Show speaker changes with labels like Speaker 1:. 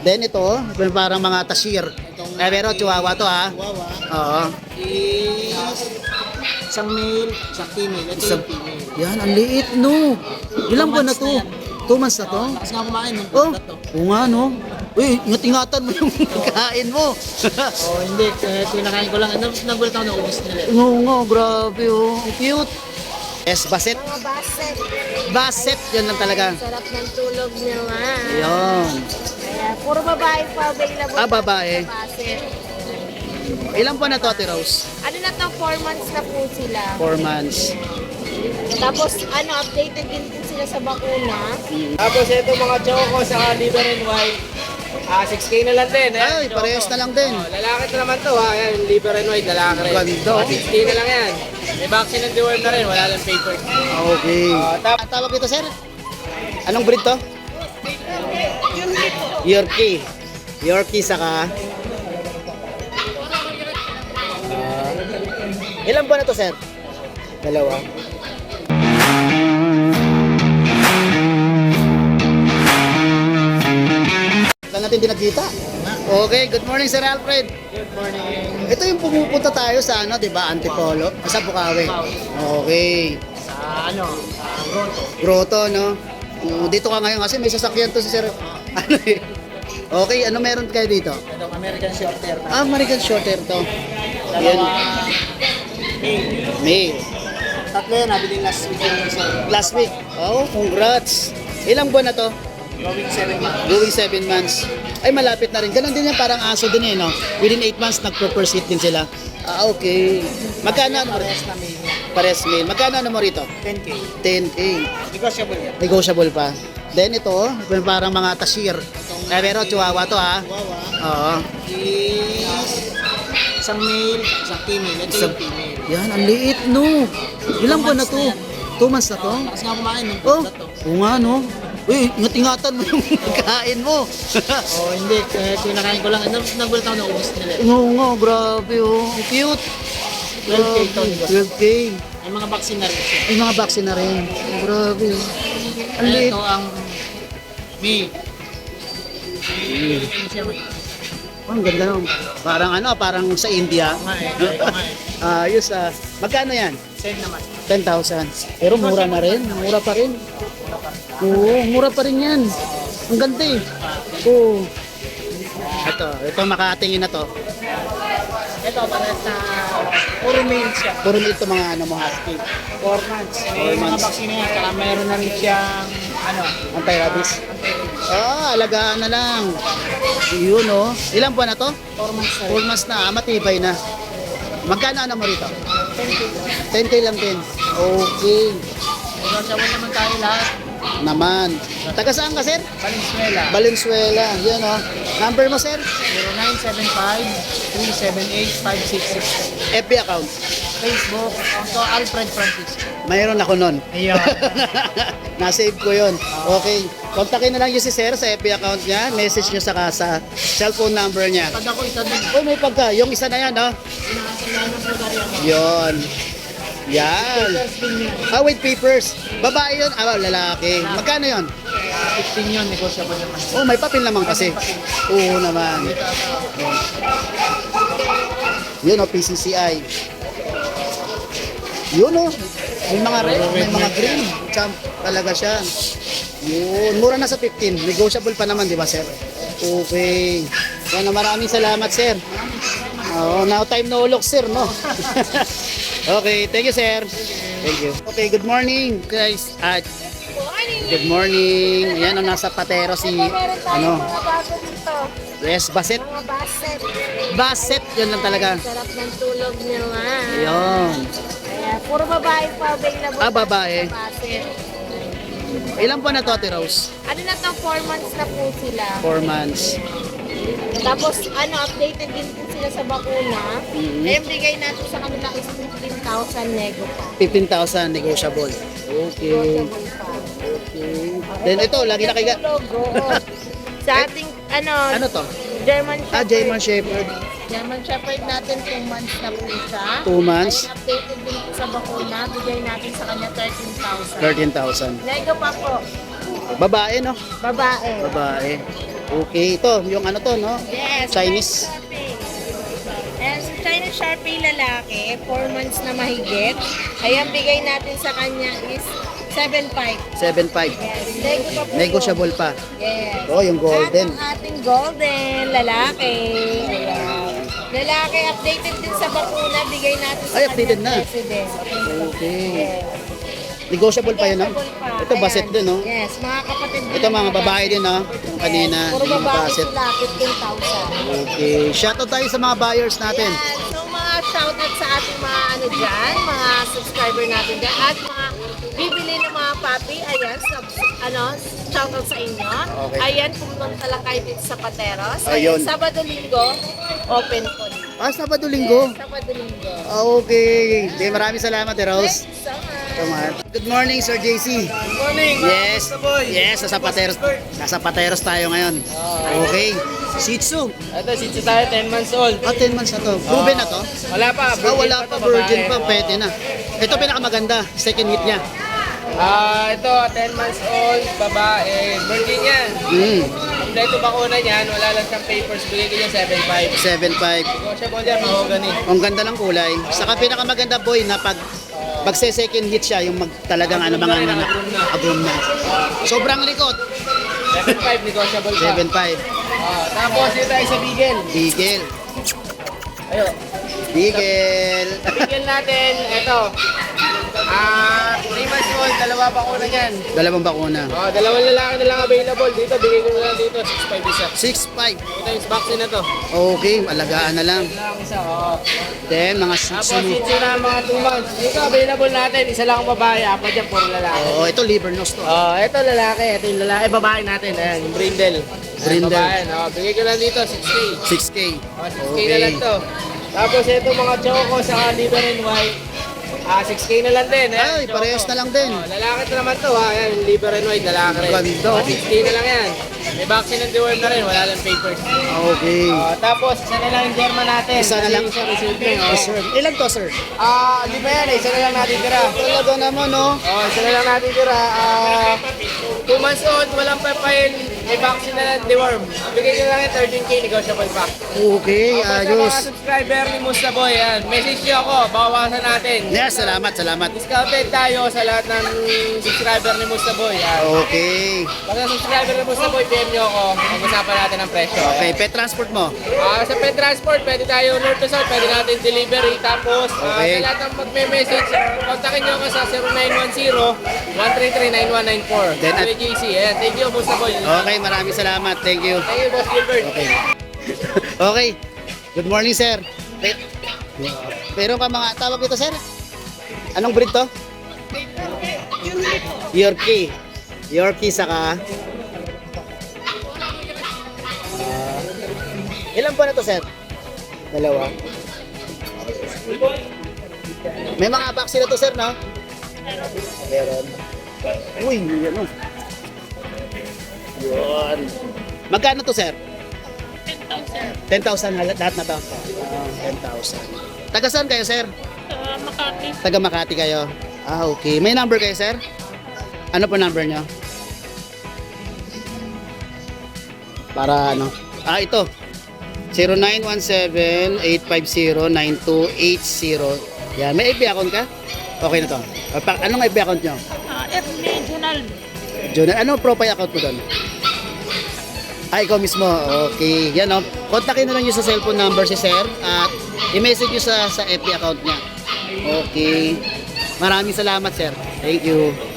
Speaker 1: Then ito, parang mga tasir. Pero chihuahua to ha.
Speaker 2: Chihuahua.
Speaker 1: Oo.
Speaker 2: Isang male, isang female. Ito yung female.
Speaker 1: Yan, ang liit no. Ilang buwan na to? 2 months na to?
Speaker 2: Lakas nga kumain ng
Speaker 1: Oh,
Speaker 2: na to.
Speaker 1: oo nga no. Uy, ingat-ingatan mo yung kain mo.
Speaker 2: Oh, hindi. Pinakain ko lang. Nagulat ako na ubos nila.
Speaker 1: Oo nga, grabe oh. Cute. Yes, baset.
Speaker 3: Mga baset.
Speaker 1: Baset, yan lang talaga.
Speaker 3: Sarap ng tulog nila.
Speaker 1: Yun.
Speaker 3: Kaya, puro babae pa available.
Speaker 1: Ah, babae.
Speaker 3: sa baset.
Speaker 1: Ilang buwan na to, Ate Rose?
Speaker 3: Ano na to, 4 months na po sila.
Speaker 1: 4 months.
Speaker 3: Tapos, updated din po sila sa bakuna.
Speaker 2: Tapos ito mga choco sa liver and white. 6K na lang din.
Speaker 1: Ay, parehas na lang din.
Speaker 2: Lalaki na naman to ha. Ayan, liver and white, lalaki rin.
Speaker 1: Ganda.
Speaker 2: 6K na lang yan. May vaccine and deworm na rin. Wala lang paper.
Speaker 1: Okay. Ang tawag dito, sir? Anong breed to? Yorkie. Yorkie saka... ilang buwan na to, sir? 2. Wala natin din nagkita. Okay, good morning, Sir Alfred.
Speaker 2: Good morning.
Speaker 1: Ito yung pumupunta tayo sa ano, 'di ba? Antipolo, sa Bukawi. Okay.
Speaker 2: Sa Grotto.
Speaker 1: Grotto, no? Dito ka ngayon kasi may sasakyan to si Sir. Ano eh? Okay, ano meron kayo dito?
Speaker 2: Ito, American Shorter.
Speaker 1: American Shorter to. Yan. Male.
Speaker 2: Tatlo yan, nabili last week yung isa.
Speaker 1: Last week. Oh, congrats. Ilang buwan na to?
Speaker 2: Going 7 months.
Speaker 1: Going 7 months. Ay, malapit na rin. Ganon din yan, parang aso din eh, no? Within 8 months, nagpo-proceed din sila. Ah, okay. Magkano ano mo rito?
Speaker 2: Parehas na may
Speaker 1: Pares male. Magkano ano mo rito?
Speaker 2: 10K.
Speaker 1: 10K.
Speaker 2: Negotiable yan.
Speaker 1: Negotiable pa. Then ito, parang mga tasir. Pero chihuahua to ha.
Speaker 2: Chihuahua.
Speaker 1: Oo.
Speaker 2: Isang male, isang female. Ito yung female.
Speaker 1: Yan, ang liit no. Ilang buwan na to? 2 months na to?
Speaker 2: Lakas nga kumain ng
Speaker 1: Oh,
Speaker 2: na to.
Speaker 1: oo nga no. Uy, ingat-ingatan mo yung kain mo.
Speaker 2: Oh, hindi. Pinakain ko lang. Nagulat ako na ubos nila.
Speaker 1: Oo nga, grabe oh. Cute.
Speaker 2: 12K to, di ba?
Speaker 1: 12K.
Speaker 2: May mga vaccine na rin siya.
Speaker 1: Ay, mga vaccine na rin. Grabe oh. Ang liit.
Speaker 2: Ito ang May.
Speaker 1: Oh, ang ganda no. Parang ano, parang sa India. Ayos ah. Magkano yan?
Speaker 2: Send naman.
Speaker 1: 10,000. Pero mura na rin. Mura pa rin. Oo, mura pa rin yan. Ang ganda eh. Oo. Ito makatingin na to.
Speaker 2: Ito, para sa puro male siya.
Speaker 1: Puro nito mga ano mo husky.
Speaker 2: 4 months. May
Speaker 1: 4
Speaker 2: mga
Speaker 1: months.
Speaker 2: vaccine yan. Saka mayroon na rin siyang
Speaker 1: Anti-rabies. Ah, alagaan na lang. Yun oh. Ilang buwan na to?
Speaker 2: 4 months na
Speaker 1: 4
Speaker 2: rin.
Speaker 1: months na. Matibay na. Magkano ano mo rito?
Speaker 2: 10K.
Speaker 1: 10K lang din. Okay.
Speaker 2: Negotiable naman tayo lahat.
Speaker 1: Naman. Taga saan ka, sir?
Speaker 2: Valenzuela.
Speaker 1: Valenzuela. Yan oh. Number mo, sir?
Speaker 2: 0975-378-566.
Speaker 1: FB account.
Speaker 2: Facebook, Onto Alfred Francisco.
Speaker 1: Mayroon ako nun.
Speaker 2: Ayun.
Speaker 1: Na-save ko yun. Okay. Kontakin na lang yung si sir sa FB account niya. Message nyo sa cellphone number niya.
Speaker 2: Pag ako isa din.
Speaker 1: Oh, may pagka. Yung isa na yan, oh.
Speaker 2: Pinakasalaan ng pagkariya ko.
Speaker 1: Yun. Yan.
Speaker 2: First thing yun.
Speaker 1: Ah, with papers. Babae yun. Ah, lalaki. Magkano yun?
Speaker 2: 15 yun, negotiable naman.
Speaker 1: Oh, may papel naman kasi. Oo naman. Yun, oh, PCCI. Yun, oh. May mga red, may mga green. Champ talaga siya. Yun. Mura na sa 15. Negotiable pa naman, di ba, sir? Okay. Yan, maraming salamat, sir. Oh, now time no look, sir, no? Okay, thank you, sir. Thank you. Okay, good morning, guys. Good morning. Ayan, oh, nasa patero si,
Speaker 3: Ito, meron tayo
Speaker 1: ano,
Speaker 3: mga bago dito.
Speaker 1: yes, baset.
Speaker 3: Mga baset.
Speaker 1: Baset, yun lang talaga.
Speaker 3: Sarap ng tulog nila.
Speaker 1: Ayun.
Speaker 3: Kaya, puro babae pa available.
Speaker 1: Ah, babae.
Speaker 3: sa baset.
Speaker 1: Ilan po na to, Ate Rose?
Speaker 3: Ano na to, 4 months na po sila.
Speaker 1: 4 months.
Speaker 3: Tapos, updated din po sila sa bakuna.
Speaker 1: Mhm.
Speaker 3: Kaya bigay natin sa kanila is 15,000 nego pa.
Speaker 1: 15,000 negotiable. Okay.
Speaker 3: Negotiable pa.
Speaker 1: Okay. Then ito, lagi na kaya.
Speaker 3: Tulog, oo. Sa ating,
Speaker 1: Ano to?
Speaker 3: German Shepherd.
Speaker 1: Ah, German Shepherd.
Speaker 3: German Shepherd natin 2 months na po siya.
Speaker 1: 2 months.
Speaker 3: Ay, updated din po sa bakuna. Bigay natin sa kanya 13,000.
Speaker 1: 13,000.
Speaker 3: Nego pa po.
Speaker 1: Babae, no?
Speaker 3: Babae.
Speaker 1: Babae. Okay, ito, yung ano to, no?
Speaker 3: Yes.
Speaker 1: Chinese.
Speaker 3: Sharpie. And sa Chinese Sharpie lalaki, 4 months na mahigit. Ayan, bigay natin sa kanya is 7.5.
Speaker 1: 7.5.
Speaker 3: Yes.
Speaker 1: Negotiable pa.
Speaker 3: Yes.
Speaker 1: Oh, yung golden.
Speaker 3: At ang ating golden lalaki. Ayan. Lalaki, updated din sa bakuna. Bigay natin sa
Speaker 1: Ay, updated
Speaker 3: kanyang
Speaker 1: na.
Speaker 3: president.
Speaker 1: Okay.
Speaker 3: Yes.
Speaker 1: Negotiable pa yun, no?
Speaker 3: Negotiable pa.
Speaker 1: Ito, baset
Speaker 3: Ayan.
Speaker 1: din, no?
Speaker 3: Yes, mga kapatid din.
Speaker 1: Ito, mga babae din, no? Yung kanina,
Speaker 3: Puro
Speaker 1: yung
Speaker 3: babae
Speaker 1: baset.
Speaker 3: sila, 15,000.
Speaker 1: Okay. Shoutout tayo sa mga buyers natin.
Speaker 3: Yan. So mga shoutout sa ating mga ano dyan, mga subscriber natin dyan, at mga bibili ng mga papi, ayan, shoutout sa inyo.
Speaker 1: Okay.
Speaker 3: Ayan, pumunta lang kayo dito sa Pateros.
Speaker 1: Ayun.
Speaker 3: Sabado-linggo, open po.
Speaker 1: Sabado-linggo.
Speaker 3: Sabado-linggo.
Speaker 1: Okay. Okay, maraming salamat, Rose.
Speaker 3: Thanks so much.
Speaker 1: Good morning, Sir JC.
Speaker 2: Good morning,
Speaker 1: Yes.
Speaker 2: Mr. Boy.
Speaker 1: Yes, nasa Pateros tayo ngayon. Okay. Shih Tzu.
Speaker 2: Ito, Shih Tzu tayo, 10 months old.
Speaker 1: 10 months na to. Proven na to?
Speaker 2: Wala pa,
Speaker 1: Wala pa,
Speaker 2: to,
Speaker 1: virgin pa,
Speaker 2: babae.
Speaker 1: pwede na. Ito pinakamaganda, second hit niya.
Speaker 2: Ito, 10 months old, babae, virgin yan. Kompleto bakuna niyan, wala lang siyang papers, bigay ko niya 7.5.
Speaker 1: 7.5.
Speaker 2: Negotiable yan, mahogany.
Speaker 1: Ang ganda ng kulay. Saka pinakamaganda, boy, na pag second hit siya, yung talagang ano mga agrom na. Sobrang likot.
Speaker 2: 7.5, negotiable pa.
Speaker 1: 7.5.
Speaker 2: Tapos dito tayo sa Beagle.
Speaker 1: Beagle.
Speaker 2: Ayun.
Speaker 1: Beagle.
Speaker 2: Beagle natin, ito. 3 months old, dalawa bakuna niyan.
Speaker 1: Dalawang bakuna.
Speaker 2: Dalawang lalaki na lang available dito. Bigay ko na lang dito, 6.5 isa.
Speaker 1: 6.5.
Speaker 2: Ito yung vaccine na to.
Speaker 1: Okay, alagaan na lang.
Speaker 2: Lang isa,
Speaker 1: Then, mga Shih
Speaker 2: Tapos
Speaker 1: Tzu.
Speaker 2: Shih Tzu na mga 2 months. Dito available natin, isa lang ang babae, apat dyan, puro lalaki.
Speaker 1: Oh, ito liver nose to.
Speaker 2: Ito lalaki, ito yung lalaki, babae natin, ayan, yung brindle.
Speaker 1: Brindle.
Speaker 2: Babae, bigay ko lang dito, 6K.
Speaker 1: 6K.
Speaker 2: 6K na lang to. Tapos ito mga choco sa liver and white. 6K na lang din.
Speaker 1: Ay, parehas na lang din.
Speaker 2: Lalaki ito naman to ha. Ayan, liver and white, lalaki rin.
Speaker 1: Ganda, oh.
Speaker 2: 6K na lang yan. May vaccine and deworm na rin, wala lang papers.
Speaker 1: Okay.
Speaker 2: Tapos isa na lang yung German natin.
Speaker 1: Isa na lang.
Speaker 2: Isa resilve.
Speaker 1: Oh, sir. Ilan to, sir?
Speaker 2: Lima yan, isa na lang natin tira.
Speaker 1: Talaga naman, no?
Speaker 2: Isa na lang natin tira. 2 months old, walang papayin. May vaccine na lang deworm. Bigay ko lang yung 13K, negotiable pa.
Speaker 1: Okay,
Speaker 2: Sa mga
Speaker 1: ayos.
Speaker 2: subscriber ni Musta Boy, yan. Message nyo ako, bawasan natin.
Speaker 1: Yes, salamat, salamat.
Speaker 2: Discounted tayo sa lahat ng subscriber ni Musta Boy. Yan.
Speaker 1: Okay.
Speaker 2: Pagka subscriber ni Musta Boy, PM nyo ako. Mag-usapan natin ang presyo.
Speaker 1: Okay, pet transport mo.
Speaker 2: Sa pet transport, pwede tayo north to south, pwede natin delivery. Tapos,
Speaker 1: Okay.
Speaker 2: sa lahat ng magme-message, kontakin nyo ako sa 0910-133-9194.
Speaker 1: Then, at-
Speaker 2: JC, yan. Thank you, Musta Boy.
Speaker 1: Okay, maraming salamat. Thank you.
Speaker 2: Thank you, Boss Gilbert.
Speaker 1: Okay. Okay. Good morning, sir. Pero ka mga tawag dito, sir? Anong breed to? Yorkie. Yorkie saka... ilan po na to, sir? Dalawa. May mga vaccine na to, sir, no? Meron. Uy, ano? Yun. Magkano to, sir? 10,000 lahat na to. 10,000. Taga saan kayo, sir?
Speaker 3: Makati.
Speaker 1: Taga Makati kayo. Okay. May number kayo, sir? Ano po number nyo? Para ano? Ito. 0917-850-9280. Yan. May FB account ka? Okay na to. Anong FB account nyo?
Speaker 3: FB Journal.
Speaker 1: Jonah, ano profile account mo doon? Ikaw mismo. Okay. Yan, no? Kontakin na lang nyo sa cellphone number si sir at i-message nyo sa FB account niya. Okay. Maraming salamat, sir. Thank you.